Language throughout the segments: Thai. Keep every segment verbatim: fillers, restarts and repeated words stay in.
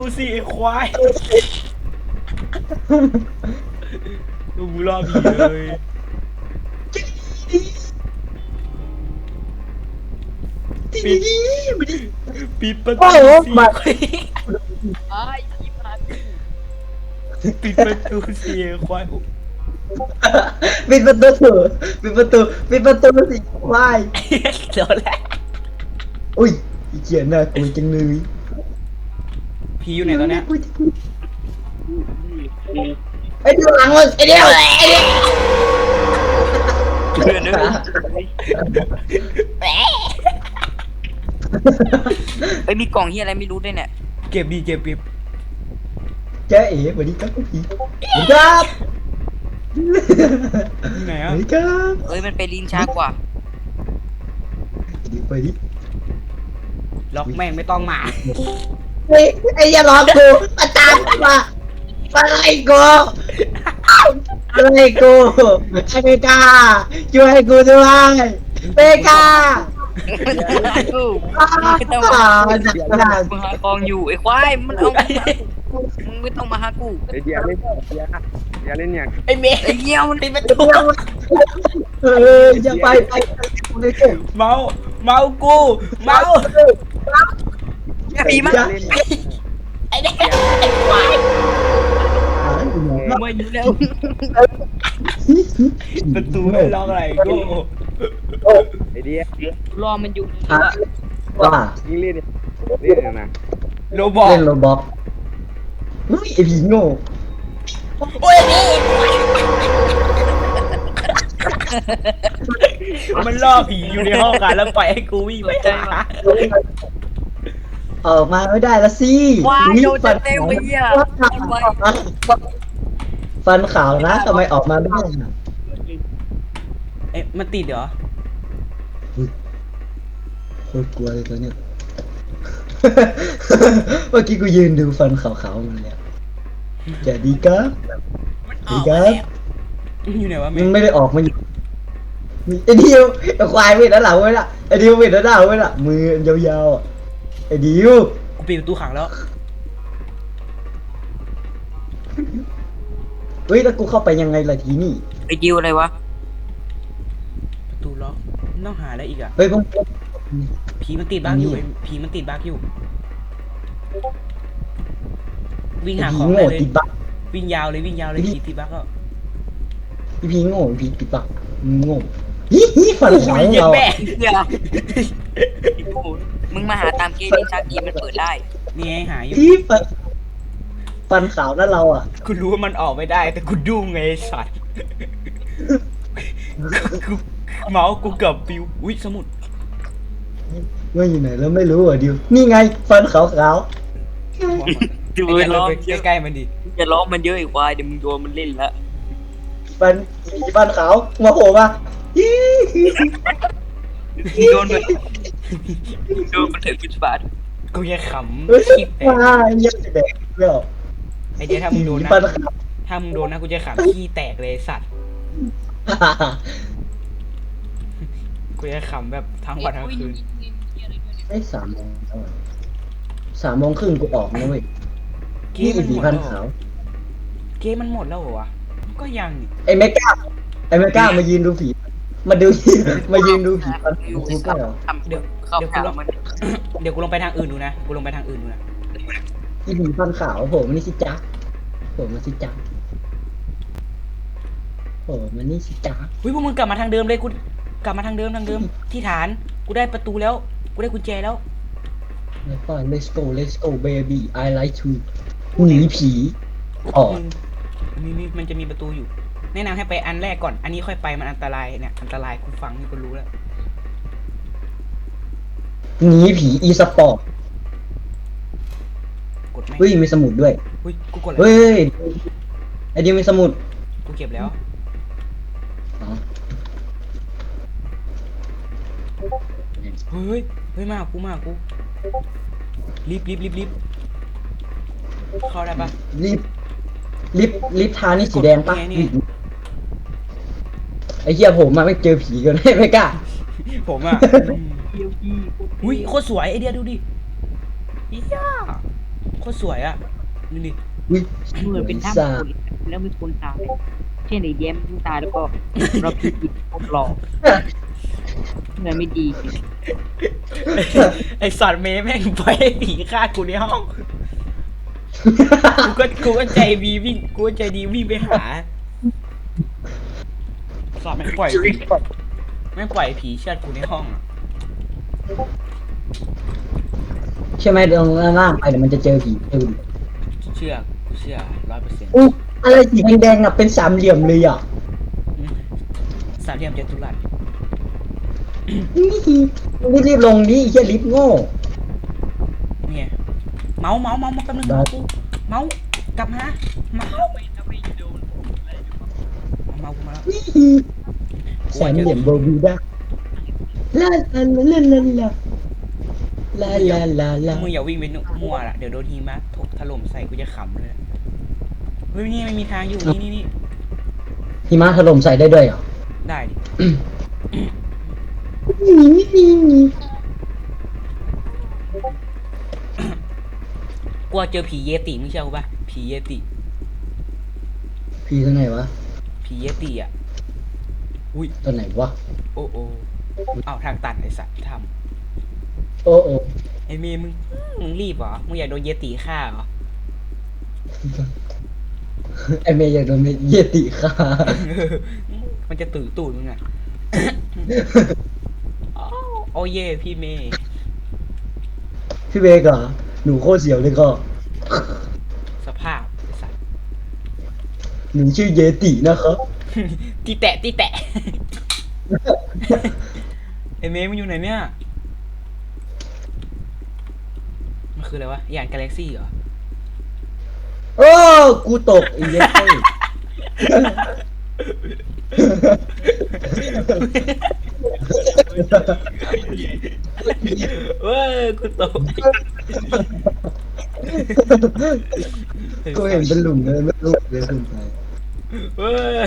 ดูสิไอ้ควายดูรอบผีเลยปิดปิดประตูสิไอ้ยี่มาปิดประตูสิไอ้ควายปิดประตูปิดประตูปิดประตูสิควายโดนแล้วอุ้ยอีเกียน่ากลัวจังเลยผีอยู่ไหนตอนเนี้ยไอ้เดียวหลังมึงไอ้เดียวไอ้เดียวเพื่อนด้วยไอ้มีกล่องเฮียอะไรไม่รู้ด้วยเนี่ยเก็บดีเก็บเก็บแกเอ๋สวัสดีครับพี่สวัสดีครับอยู่ไหนสอ่ะวัสดีครับเอ้ยมันไปลิ้นช้ากว่าเดี๋ยวไปดิล็อกแม่งไม่ต้องมาไอ้ไอ้ยาหลอกกูมาตามกูมาอะไรกูอะไรกูไอ้เมกาช่วยกูด้วยเมกากูไม่ต้องอ่ามาจักรพรรดิมึงหากองอยู่ไอ้ควายมันเอามึงไม่ต้องมาหากูไอเดียเล่นเดียเดียเล่นเนี่ยไอ้เมย์ไอ้เหี้ยมันปิดประตูเอออย่าไปไปกูเลยกูเมาเมากูเมาผีมันเล่นไอ้เด็กไอ้ควายมาอยู่แล้วประตูไม่ล็อกอะไรกูไอเดียรอมันอยู่ฮะว่ายิงเล่นเล่นเนี่ยนะโรบอกเล่นโรบอกอุ้ยไอผีโง่โอ้ยนี่มันล่อผีอยู่ในห้องกันแล้วปล่อยให้กูวิ่งไปหาออกมาไม่ได้ละสิว้ายโดนฟันเต็มไปเหี้ยฟันขาวนะทำไมออกมาไม่ได้น่ะเอ๊ะมันติดเหรอโคตรกลัวเลยตัวเนี้ย เมื่อกี้กูยืนดูฟันขาวๆมันเลยจะดีครับดีครับอยู่ไหนวะเมมันย์ไม่ได้ออกมาอยู่ไอ้ดิวไอ้ควายเว้ยด้านหลังเว้ยล่ะไอ้ดิวเว้ยด้านหลังเว้ยล่ะมือยาวๆอ่ะไอ้ดิวกูปิดประตูขังแล้วเฮ้ยแล้วกูเข้าไปยังไงล่ะทีนี่ไอ้ดิวอะไรวะประตูล็อกต้องหาอะไรอีกอ่ะเฮ้ยพวกผีมันติดบั๊กอยู่นี่ผีมันติดบั๊กอยู่ วิ่งไอ้หาผีของโง่ได้เลยติดบักวิ่งยาวเลยวิ่งยาวเลยผีติดบั๊กก็ไอ้ผีโง่ไอ้ผีติดบักมึงโง่ฮิฮิฟันขาวของเย็นเราแม่อะเหี้ยมึงมาหาตามเกมลิ้นช้ากีมันเปิดได้นี่ไงหาอยู่ฮิฟันฟันขาวนั่นเราอ่ะกูรู้ว่ามันออกไม่ได้ แต่กูดุ้งไงไอ้สัตว์กูเมาส์กูเกือบปิวอุ้ยสมุดว่าอยู่ไหนแล้วไม่รู้อ่ะดิวนี่ไงฟันขาวขาวดูไอ้ล้อเรามไปใกล้ๆมันดิจะล้อมมันเยอะอีกควายเดี๋ยวมึงโดนมันเล่นละฟันผีฟันขาวมาโผล่มาฮิฮิโดนมันโดนมันถึงพิษบาทกูยังขเฮ้ยำคิดแต่ว้ายยังจะแดกไม่ออกไอเดียถ้ามึงโดนนะฟันขาวถ้ามึงโดนนะกูจะขำขี้แตกเลยไอ้สัตว์ กูจะขำแบบทั้งวันทั้งคืนไอ้สามโมงแล้วอะสามโมงครึ่งกูออกนะเว้ยเกนี่มมันผีหมดพันแล้วเหรขาอวเกมมันหมดแล้วเหรอวะก็ยังนี่ไอ้เมก้าไอ้เมก้ามายืนดูผีมาดูมายืนดูผีพันขาวกูก็เหรอทำเดี๋ยวเข้าหามันเดี๋ยวกูลงไปทางอื่นดูนะกูลงไปทางอื่นดูนะอีผีพันขาวโผล่มานี่สิจ๊ะโผล่มาสิจ๊ะโผล่มานี่สิจ๊ะเฮ้ยพวกมึงกลับมาทางเดิมเลยกูกลับมาทางเดิมทางเดิมที่ฐานกูได้ประตูแล้วกูได้กุญแจแล้วแล้วก็ let's go let's go baby I like to หนีผีออกมีมีมันจะมีประตูอยู่ แนะนำให้ไปอันแรกก่อน อันนี้ค่อยไปมันอันตรายเนี่ยอันตรายกูฟังนี่กูรู้แล้วหนีผีอีสปอร์ตกดไหมเฮ้ยมีสมุดด้วยเฮ้ยกูกดแล้วเฮ้ยไอเดียมีสมุดกูเก็บแล้วอ๋อเฮ้ยเฮ้ยมาหากูมาหากูรีบรีบรีบรีบเข้าได้ปะลิฟต์ลิฟต์ลิฟต์ทานี่สีแดงปะนี่ไงนี่ไงไอ้เหี้ยผมมาไม่เจอผีกันไม่กล้าผมอ่ะอุ้ยโคตรสวยไอเดียดูดิอีย่าโคตรสวยอ่ะดูดิวิเหมือนเป็นถ้ำสาคนแล้วมีคนตายเช่นไอ้แย้มตายแล้วก็เราผิดพวกหลอกเงินไม่ดีไอสัตว์เมย์แม่งปล่อยให้ผีฆ่ากูในห้องกูก็กูก็ใจดีวิ่งกูก็ใจดีวิ่งไปหาสัตว์แม่งปล่อยแม่งปล่อยผีเชือดกูในห้องอะใช่ไหมลงล่างไปเดี๋ยวมันจะเจอผีตื่นเชื่อกูเชื่อร้อยเปอร์เซ็นต์อุ๊ยอะไรสีแดงๆอ่ะเป็นสามเหลี่ยมเลยอ่ะสามเหลี่ยมจัตุรัสนี่รีบลงดิเฮียลิฟต์โง่นี่ไงเมาส์เมาส์เมาส์มาแป๊บนึงเมาส์กูเมาส์กลับมาเมาส์เอาเมาส์กูมาแล้วสามเหลี่ยมโบวีด้าลาลาลาลาลาลาลาลาลามึงอย่าวิ่งไปมั่วล่ะเดี๋ยวโดนหิมะถกถล่มใส่กูจะขำเลยเฮ้ยนี่ไม่มีทางอยู่นี่นี่นี่หิมะถล่มใส่ได้ด้วยเหรอได้ดินี่นี่นี่นี่กลัวเจอผีเยติมึงเชื่อกูป่ะผีเยติผีตัวไหนวะผีเยติอ่ะอุ้ยตัวไหนวะโอ้โอ้เอาทางตันไอสัตว์ทโอ้โอ้ำไอเมย์มึงมึงรีบเหรอมึงอยากโดนเยติฆ่าเหรอไอเมย์อยากโดนเยติฆ่ามันจะตื่นตูดมึงอ่ะ อ้าวโอ้เย่พี่เมย์พี่เบกเหรอหนูโคตรเสียวเลยก็สภาพไอสัตว์หนูชื่อเยตินะครับตีแตะตีแตะ ไอเมย์มันอยู่ไหนเนี่ยมันคืออะไรวะยานกาแล็กซี่เหรอโอ้กูตกไอ้เหี้ยเต้เว้ยกูตกกูเห็นเป็นหลุมเลยไม่รู้เลยคุณชายเว้ย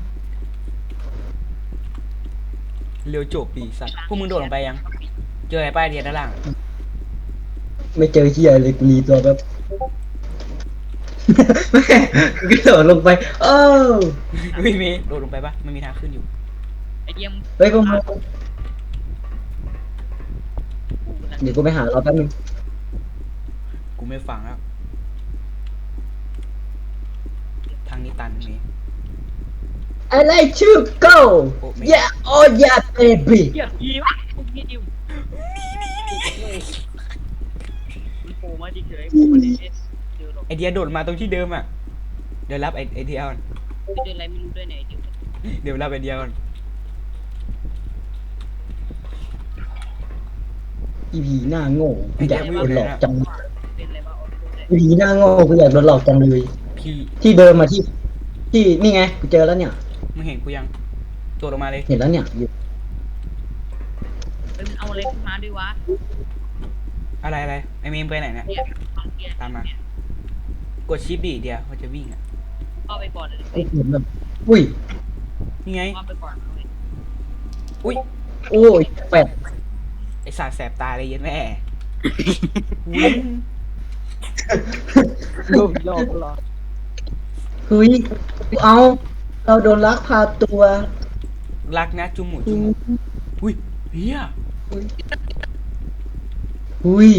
เร็วจบปีสัตว์พวกมึงโดดลงไปยัง เจออะไรป้ายเดียนด้านล่างไม่เจอเหี้ยเลยกูรีตัวแบบแม่กูกระโดดลงไปโอ้ไม่มีโดดลงไปปะมันมีทางขึ้นอยู่ไอ้เยี่ยมเฮ้ยพวกมึงเดี๋ยวกูไปหาเราแป๊บนึงกูไม่ฟังแล้ว ทางนี้ตันเมย์ I like to go yeah oh yeah baby เยี่ยมดีวะเยี่ยมมันโผล่มาเฉยๆโผล่มาเฉยๆเจอหรอกไอเดียโดดมาตรงที่เดิมอ่ะ เดี๋ยวรับไอไอเดียก่อนไปเจออะไรไม่รู้ด้วยเนี่ยไอ้เดี๋ยวเดี๋ยวรับไอเดียก่อนอีผีหน้าโง่กูอยากโดนหลอกจังเป็นอะไรวะออโต้เนี่ยอีผีหน้าโง่กูอยากโดนหลอกจังเลยพี่ที่เดิมมาที่ ที่นี่ไงกูเจอแล้วเนี่ยมึงเห็นกูยังตัวลงมาเลยเห็นแล้วเนี่ยอยู่เฮ้ยมันเอาอะไรขึ้นมาด้วยวะอะไรอะไรไอเมย์ไปไหนเนี่ยเนี่ยฟังเกียร์ตามมา กดชิปดิเดียวมันจะวิ่งอ่ะเข้าไปก่อนเลยกูเห็นแบบอุ้ยนี่ไงเข้าไปก่อนเลยอุ้ยโอ้ยแปดไอสารแสบตาเลยเย็นแม่ วิ่งโดนหลอกหลอกเฮ้ยเอาเราโดนลักพาตัวรักนะจุมหมูจุมหมูอุ้ยเฮียหุย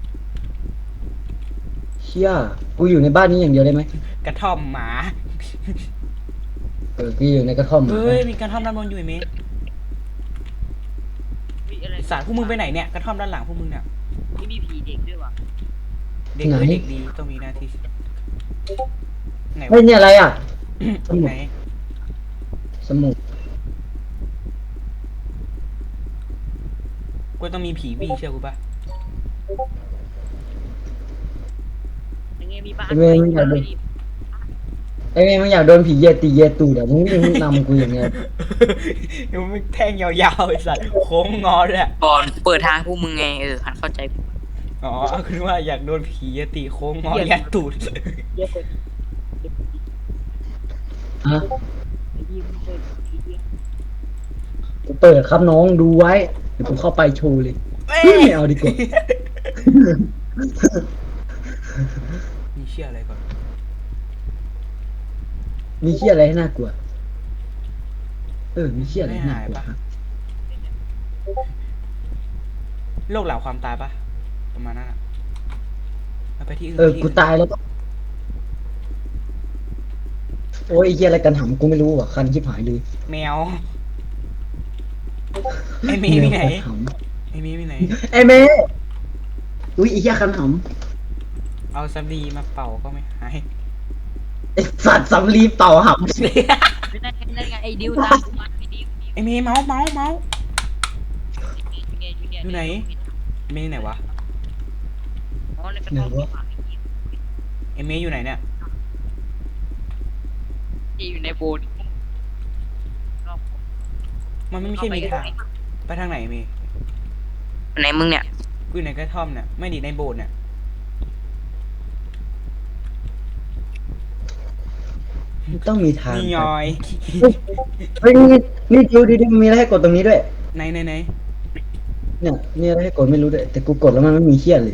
เชี่ยกูอยู่ในบ้านนี้อย่างเดียวได้ไหมกระท่อมหมาเออกูอยู่ในกระท่อมเฮ้ยมีกระท่อมด้านบนอยู่ไอเมย์มีอะไรไอ้สารพวกมึงไปไหนเนี่ยกระท่อมด้านหลังพวกมึงเนี่ยไม่มีผีเด็กด้วยวะเด็กเลยเด็กดีต้องมีหน้าที่ไหนเฮ้วะยเนี่ยอะไรอ่ะไหนสมุดกูต้องมีผีวิ่งเชื่อกูปะยังไงมีบ้านไอ้เมย์มึงอยากโดนไอ้เมย์มึงอยากโดนผีเยตีเยตูเดี๋ยวมึงมึงนำกูอย่างเงี้ยเดี๋ยวมึงแท่งยาวๆไอ้สัตว์โค้งงอด้วยก่อนเปิดทางพวกมึงไงเออหันเข้าใจอ๋อคือว่าอยากโดนผียตีโค้งงอยัดตูดเยอะเลยฮะไอ้ยี่มึงเปิดผีเยอะกูเปิดครับน้องดูไว้เดี๋ยวกูเข้าไปโชว์เลยเฮ้ยไม่เอาดีกว่ามีเชี่ยอะไรก่อนมีเชี่ยอะไรให้น่ากลัว เออ มีเชี่ยอะไรให้น่ากลัวครับโรคเหล่าความตายปะประมาณนั้นอะเอาไปที่อื่นเออไปที่กูอื่นตายแล้วก็ โอ้ยไอ้เชี่ยอะไรกันหำกูไม่รู้อ่ะ คันชิบหายเลยแมวไอเมย์มีไหนแวคัหไอเมย์มีไหนำไอ้เมย์อุ้ยไอ้เชี่ยคันหเอาสำลีมาเป่าก็ไม่หายำไอ้สัตว์สำลีเป่าหไม่ได้ไม่ได้ไงไอ้ดิวตามกูมาไอ้ดิวไอเมย์เมาส์เมาส์เมาส์อยู่อยู่ไหน ไอเมย์ไหนวะอ๋อในกระท่อมที่หมาไอเมย์อยู่ไหนเนี่ยที่อยู่ในโบสถ์มันไม่ใช่มีทาง ไปทางไหนเมย์ไหนมึงเนี่ยกูอยู่ในกระท่อมเนี่ย ไม่ดีในโบสถ์เนี่ยำต้องมีทางนี่ยอยเฮ้ยนี่นี่ดูดิดิมีอะไรให้กดตรงนี้ด้วยไหนไหนไหนเนี่ยมีอะไรให้กดไม่รู้ด้วย แต่กูกดแล้วมันไม่มีเชี่ยเลย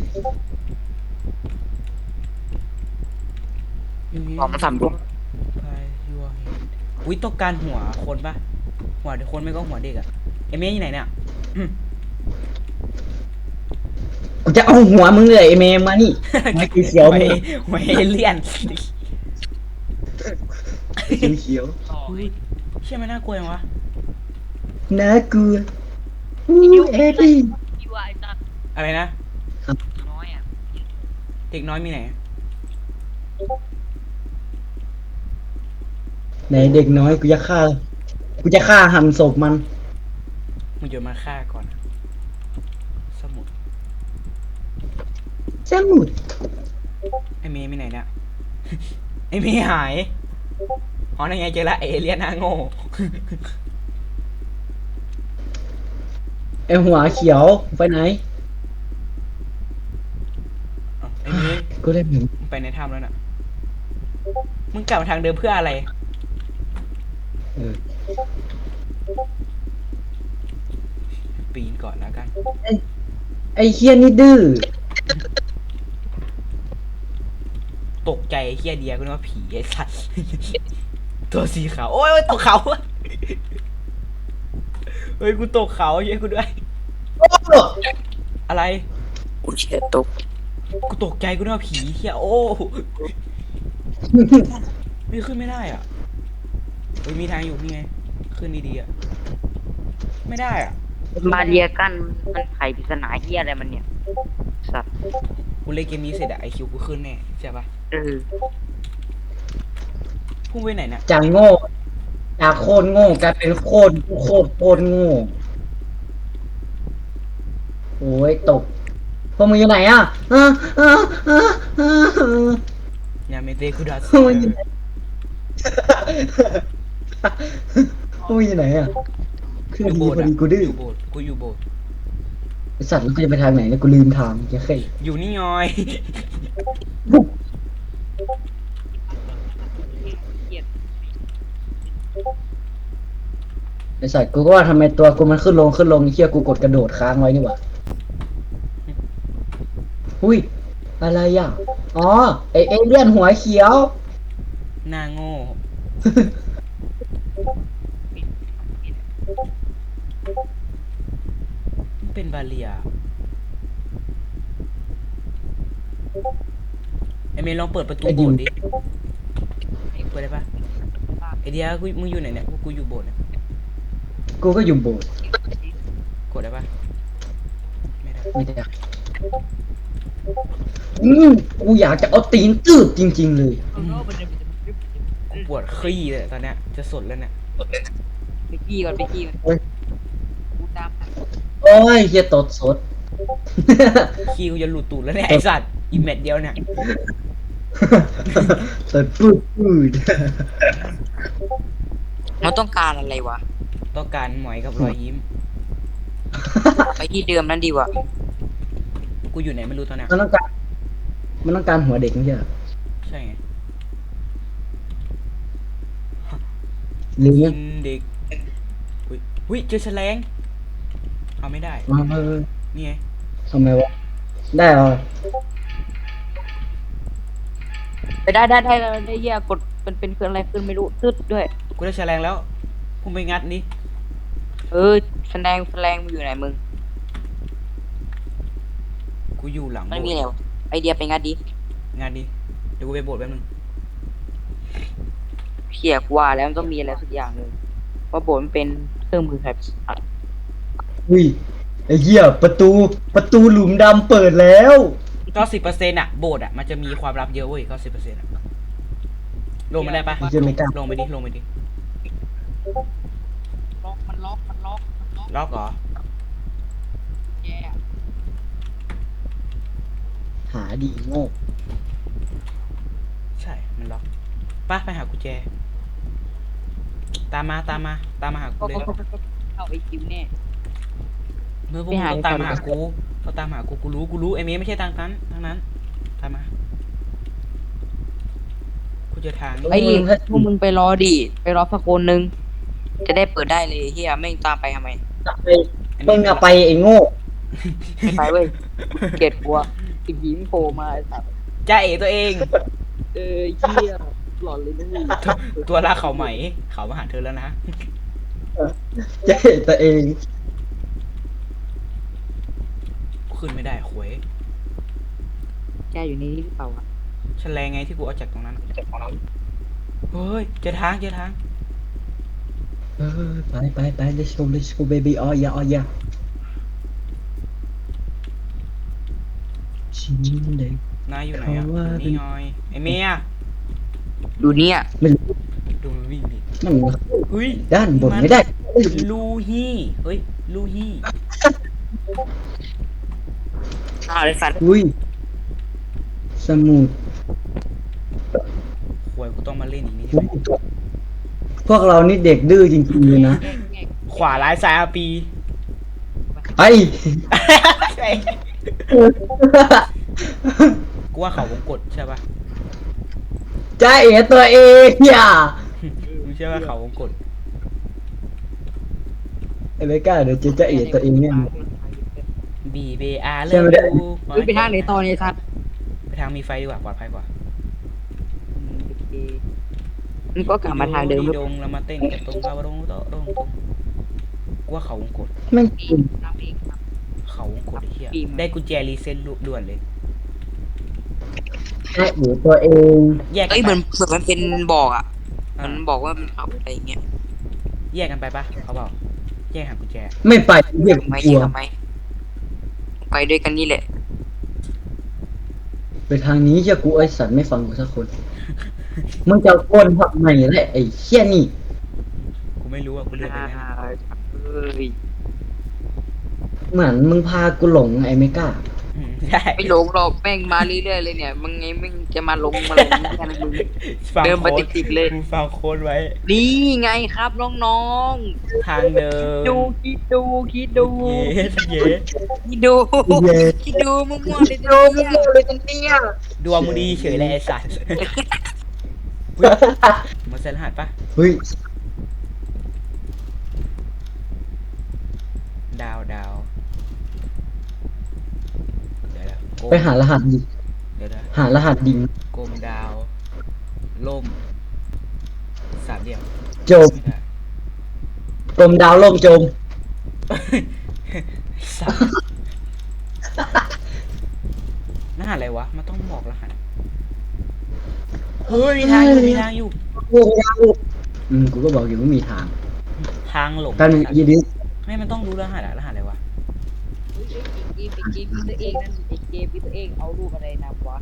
ของมันสามดวงไปยัวเห็นอุ้ยต้องการหัวคนปะหัวเด็กคนไม่ก็หัวเด็กอะไอเมย์อยู่ไหนเนี่ยอืมกูจะเอาหัวมึงเลยไอ้เมย์มานี่ไม่คือเขียวหัวมึงเอหัวเอเลี่ยนสีเขียวเฮ้ยเชื่อไหมน่ากลัวยังวะน่ากลัวอู้เอ็ดดี้ที่ว่าไอ้ตัดอะไรนะน้อยอ่ะเด็กน้อยมีไหนไหนเด็กน้อยกูจะฆ่า กูจะฆ่าหันศพมันมึงโยนมาฆ่าก่อน สมุดสมุดไอเมย์มีไหนเนี่ย ไอเมย์หาย อ๋อนั่นไงเจอละไอเอเลี่ยนหน้าโง่ไอหัวเขียวไปไหนอ้าวไอเมย์กูเล่นหนึ่งมึงไปในถ้ำแล้วน่ะ มึงกลับมาทางเดิมเพื่ออะไรเออปีนก่อนแล้วกันไอเฮียนี่ดื้อตกใจไอ้เฮียเดียกูนึกว่าผีไอ้สัส ตัวสีขาว โอ้ยโอ้ยตกเขา เฮ้ยกูตกเขาเย้ยกูด้วยโอ้อะไรกูเชี่ยตกกูตกใจกูนึกว่าผีเฮียโอ้ ไม่ขึ้นไม่ได้อ่ะเฮ้ยมีทางอยู่นี่ไง ขึ้นดีๆอ่ะ ไม่ได้อ่ะมาเรียกันมันไขปริศนาเฮียอะไรมันเนี่ยสัตว์กูเล่นเกมนี้เสร็จอะไอคิวกูขึ้นแน่ใช่ปะเออพุ่งไปไหนเนี่ยจากโง่จากโคตรโง่กลายเป็นโคตรโคตรโคตรโง่โอ้ยตกพวกมึงอยู่ไหนอ่ะอ่ะอ่ะอ่ะอ่ะยาเมเตคุดัสพวกมึงอยู่ไหนพวกมึงอยู่ไหนอ่ะคืออยู่ดีโบพสถ์ออะดีกูดื้ออยู่โบสถ์กูอยู่โบสถ์ไอสัตว์แล้วกูจะไปทางไหนเนี่ยกูลืมทางแค่แค่อยู่นี่ยอยไอสัตว์กูก็ว่าทำไมตัวกูมันขึ้นลงขึ้นลงไอ้เชี่ยกูกดกระโดดค้างไว้นี่หว่าหุ้ยอะไรอ่ะอ๋อไอเอเลี่ยนหัวเขียวหน้าโง่มันเป็นบาเลียไอเมย์ลองเปิดประตูไอ้ดิโบวสถ์ดิเปิดได้ปะไอเดียกูมึงอยู่ไหนเนี่ยกูอยู่โบสถ์เนี่ยกูก็อยู่โบสถ์กดได้ปะไม่ได้ไม่ได้อืมกูอยากจะเอาตีนตืบจริง ๆ เลยกูปวดขี้เลยตอนเนี้ยจะสดแล้วเนี่ยไปกี้ก่อนไปกี้ก่อนเฮ้ยกูตามโอ้ยเฮียตดสดขี้กูจะหลุดตูดแล้วเนี่ยไอสัตว์อีเม็ดเดียวเนี่ยตดปืดปืดมันต้องการอะไรวะต้องการหมอยกับรอยยิ้มไปที่เดิมนั่นดีกว่ากูอยู่ไหนไม่รู้ตอนเนี้ยมันต้องการ มันต้องการหัวเด็กไม่ใช่เหรอใช่ไงหรือกิเนี่ยนเด็กอุ้ยอุ้ยเจอแฉลงเอาไม่ได้เออนี่ไงทำไมวะ ได้เหรอได้ได้ได้ได้ได้เหี้ยกดเป็นเป็นเครื่องอะไรขึ้นไม่รู้ตึ๊ดด้วยกูได้แฉลงแล้วพุ่งไปงัดนี่เออแสดงแสดงมึงอยู่ไหนมึงกูอยู่หลังมันโบมีสอะไรถ์วะไอเดียไปงัดดิงานดิเดี๋ยวกูไปโบสถ์แป๊บนึงเขี่ยกว่าแล้วมันต้องมีอะไรสักอย่างหนึ่งว่าโบนมันเป็นเครื่องมือใครอุ้ยไอ้เหี้ยประตูประตูหลุมดำเปิดแล้วเก้าสิบเปอร์เซ็นต์อะโบสถ์อะมันจะมีความลับเยอะเว้ยเก้าสิบเปอร์เซ็นต์อะลงมาได้ปะเหี้ยไม่กล้าลงไปดิลงไปดิล็อกมันล็อกมันล็อกมันล็อกล็อกเหรอแย่หาดีโง่ใช่มันล็อกป้าไปหากุญแจ ตามมาตามมาตามมาหากูก็เลยก็ก็เข้าไอคิวแน่เมื่อพวกไปมึงหาต้องตามก่อนมาหากูเขาตามหากูกูรู้กูรู้ไอ้เมย์ไม่ใช่ทางนั้นทางนั้นตามมากูเจอทางนี่ไอ้พวกมึงไปรอดิไปรอสักคนนึงจะได้เปิดได้เลยเฮียไม่งตามไปทำไมไปมึงอะไปไอ้โง่ไม่ไปเว้ยเกลียดกลัวติดยิ้มโผล่มาไอ้สัตว์จ้าเอ๋ตัวเองเออเฮียหลอนเลยนะมึงตัวลากเขาไหมเขามาหาเธอแล้วนะจะเห็นตัวเองขึ้นไม่ได้หวยแกอยู่ในนี้หรือเปล่าอะแฉลงไงที่กูเอาจากตรงนั้นจากตรงนั้นเฮ้ยเจอทางเจอทางเออไปไปไป let's go let's go baby oh yeah oh yeah ชิ้นเด็กนายอยู่ไหนอ่ะเขาว่าอยู่นี่หน่อยไอ้เมียดูเนี่ยมันดูมันวิ่งดิมันเฮ้ยด้านบนไม่ได้ลูฮี่เฮ้ยลูฮี่อ้าวไอ้สัตว์อุ้ยสมุดหวยกูต้องมาเล่นอีกนี่ใช่ไหมพวกเรานี่เด็กดื้อจริงๆเลยนะขวาร้ายซ้ายอาปีไปกูว่าเขาวงกดใช่ปะจ้าเอ๋ตัวเองอย่ามึงเชื่อว่าเขาวงกดไอ้ไม่กล้าเดี๋ยวเจะจ้าเอ๋ตัวเองเนี่ยบีเบอาร์ใช่เลิไม่ได้ฟกูเฮ้ยไปทางไหนต่อเนี่ยสัตว์ไปทางมีไฟดีกว่าปลอดภัยกว่ามึงก็กลับมาทางเดิมดงแล้วมาเต้นกับตรงกาวรงโตตรงตรงกูว่าเขาวงกดแม่งน้ำเองครับเขาวงกดไอ้เหี้ยปีมาได้กุญแจรีเซ็ตด่วนเลยจ้าเอ๋ตัวเองแยกกัเอ้ยนเหไปมือนเหมือนมันเป็นบอกอ่ะอ่ามันบอกว่ามันเขาอะไรอย่างเงี้ยแยกกันไปปะเขาบอกแยกหากุญแจไม่ไปเรียกทำไมกลัวทำไมไปด้วยกันนี่แหละไปทางนี้เจ้ากูไอ้สัตว์ไม่ฟังกูสักคน มึงจะโกนผักใหม่แหละไอ้เชี่ยนี่กูไม่รู้อ่ะกูเลือกไปงั้นเอ้ยเหมือนมึงพากูหลงไอ้ไม่กล้าอืมใช่ไม่หลงหรอกแม่งมาเรื่อยๆเลยเนี่ยมึงไงมึงจะมาลงมาลงแค่นั้นมึงฟังเดินมาโค้ดติดๆเลยกูฟังโค้ดไว้นี่ไงครับน้องทางเดิๆมดูคิดดูคิดดูเย้เย้คิดดูเย้คิดดูมั่วๆเลยดูมั่วๆเลยตรงเนี้ยดวงมึงดีเฉยเลยไอ้สัตว์มาเซ็นรหัสปะเฮ้ยดาวดาวเดี๋ยวนะโกมไปหารหัสดิเดี๋ยวนะหารหัสดิงโกมดาวล่มสามเหลี่ยมจมไม่ได้กลมดาวล่มจมสัตว์รหัสอะไรวะมันต้องบอกรหัสเฮ้ยมีทางอยู่มีทางอยู่อืมกูก็บอกอยู่ว่ามีทางทางหลงกันยีดิไม่มันต้องรู้รหัสอะรหัสอะไรวะเฮ้ยเกมเป็นเกมพี่ตัวเองนั่นไอเกมพี่ตัวเองเอารูปอะไรนำวะ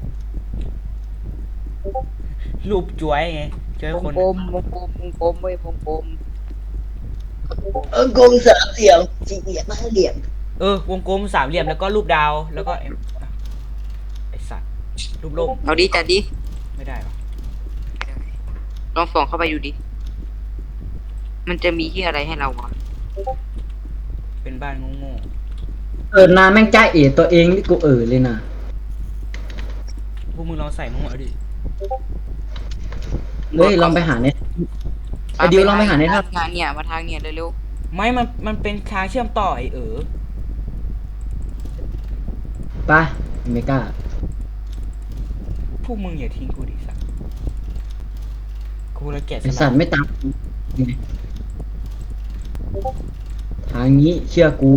รูปจ้วยไงจ้วยวงคนกลมวงกลมวงกลมเว้ยวงกลมเออกลมสามเหลี่ยมสี่เหลี่ยมห้าเหลี่ยมเออวงกลมสามเหลี่ยมแล้วก็รูปดาวแล้วก็ไอ้ไอ้สัตว์รูปโลกเอาดิจัดดิไม่ได้หรอลองส่องเข้าไปดูดิมันจะมีที่อะไรให้เราวะเป็นบ้านโง่เออนานแม่งจ้าเอ๋ตัวเองนี่กูเออเลยนะๆพวกมึงลองใส่มั่วดิเฮ้ยลองไปหาเนี่ย ไอ้ดิวลองไปหาในภาพงานเนี่ยมาทางเนี่ยเร็วไม่มันมันเป็นทางเชื่อมต่อไอ้เออไปไม่กล้าพวกมึงอย่าทิ้งกูดิสัตว์กูละแกะสไอลัสัตกว์ไม่ตามทางนี้เชื่อกู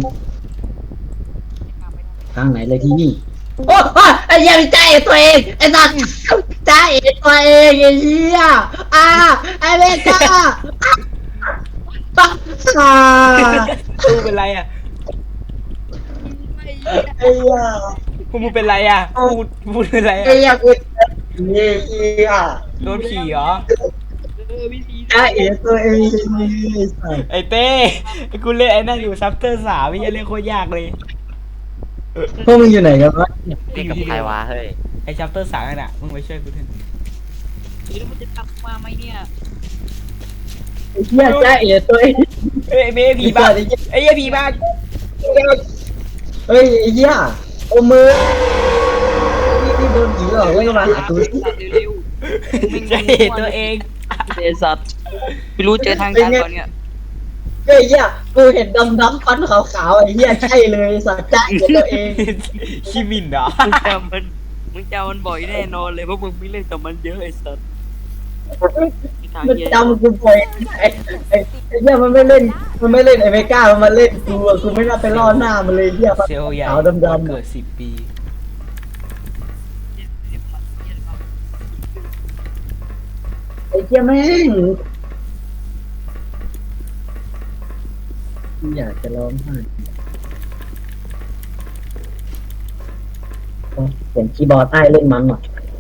ทางไหนเลยที่นี่ โอ้ยไอ้เหี้ยังใจตัวเองไอ้สัตว์ใจตัวเองไอ้เหี้ยอ่าไอ้เมกาปักอ่ากูเป็นไรอ่ะไอ้เหี้ยพวกมึงเป็นไรอ่ะพูดพูดเป็นไรไอ้อ่ะเหี้ยกูเหี้ยโดนผีเหรอใจตัวเองไอ้สัตว์ไอ้เต้ไอ้กูเล่นไอ้นั่นอยู่ซับเตอร์สามไม่ใช่เล่นโคตรยากเลยพวกมึงอยู่ไหนกันวะเล่นกับใครวะเฮ้ยไอ้ซับเตอร์สามนั่นน่ะมึงไปช่วยกูเถอะแล้วมันจะตามมาไหมเนี่ยไอ้เหี้ยใจตัวเองเอ้ยไอ้เบ้ผีบ้าไอ้เหี้ยผีบ้าเฮ้ยไอ้เหี้ยโอมือนี่นี่โดนผีหลอกแล้วก็มาหากูเร็วจะเห็นตัวเองๆเดซัตไม่รู้เจอทางการก่อนเนี่ยไอ้เหี้ยกูเห็นดำดำๆฟันขาวๆไอ้เหี้ยใช่เลยสัตว์ใจตัวเองคิมินเหรอมึงจำมันมึงจำมันบ่อยแน่นอนเลยเพราะมึงไม่เล่นกับมันเยอะไอ้สัตว์ทางมันเหี้ยจำกูบ่อยไอ้ไอ้ไอ้เหี้ยมันไม่เล่นมันไม่เล่นไอ้เมก้ามันมาเล่นกูอะกูไม่น่าไปล่อหน้ามันเลยเหี้ยฟันเซลล์ใหญ่ขาวดำดำเกิดสิบปีไอ้เหี้ยแม่งอยากจะร้องไห้โอ้เห็นคีย์บอร์ดใต้เล่นมันอ่ะ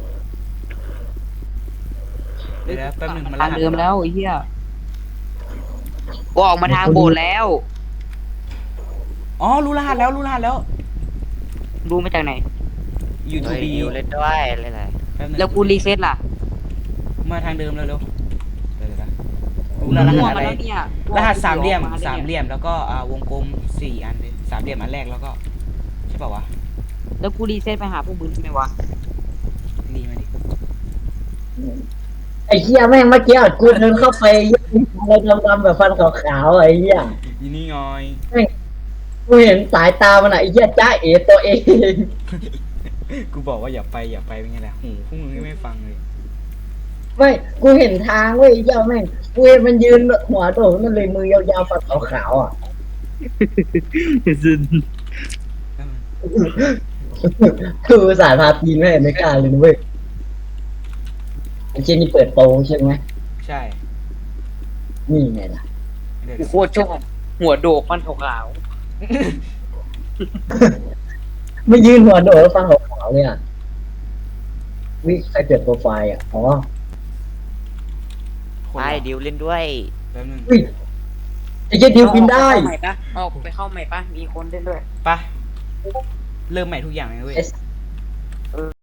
เดี๋ยวนะแป๊บหนึงมันทางเดิมแล้วไอ้เหี้ยกูออกมาทางโบสถ์แล้วอ๋อรู้รหัสแล้วรู้รหัสแล้วรู้มาจากไหนยูทูเฮ้ยบีดิวเล่นด้วยเล่นอะไรแป๊บหนึงแล้วกูรีเซ็ตล่ะมาทางเดิมเร็วๆเดี๋ยวๆนะรู้รมั่วหัสมาอะไรแล้วเนี่ยรหัสสามเหลี่ยมออกสามเหลี่ยมแล้วก็อ่าวงกลมสี่อันเลยสามเหลี่ยมอันแรกแล้วก็ใช่ป่าวะแล้วกูรีเซ็ตไปหาพวกมึงใช่ไหมวะรีมาดิไอ้เหี้ยแม่งเมื่อกี้อะกูเดินเข้าไปอะไรดำๆแบบฟันขาวๆอะไอ้เหี้ยอีนี่งอยกูเห็นสายตามันอะไอ้เหี้ยจ้าเอ๋ตัวเองกูบอกว่าอย่าไปอย่าไปเป็นไงล่ะหูพวกมึงไม่ฟังเลยไม่กูเห็นทางเว้ยไอ้เหี้ยแม่งกูเห็นมันยืนหัวโดดมันเลยมือยาวๆฟันขาวๆอ่ะคือสายพาตีนแม่ไม่กล้าเลยนะเว้ยไอ้เจนี่เปิดโปรใช่ไหมใช่นี่ไงล่ะเดี๋ยวกูโคตรชอบหัวโดกมันขาวไม่ยืนหัวโดดแล้วฟันขาวๆเลยอ่ะวิใครเปิดโปรไฟล์อ่ะอ๋อคนไปละดิวเล่นด้วยแป๊บนึงวิไอ้เจๆดิวบินได้เข้าใหม่ปะเอาไปเข้าใหม่ปะมีคนเล่นด้วยไปเริ่มใหม่ทุกอย่างเลยเว้ยไอ้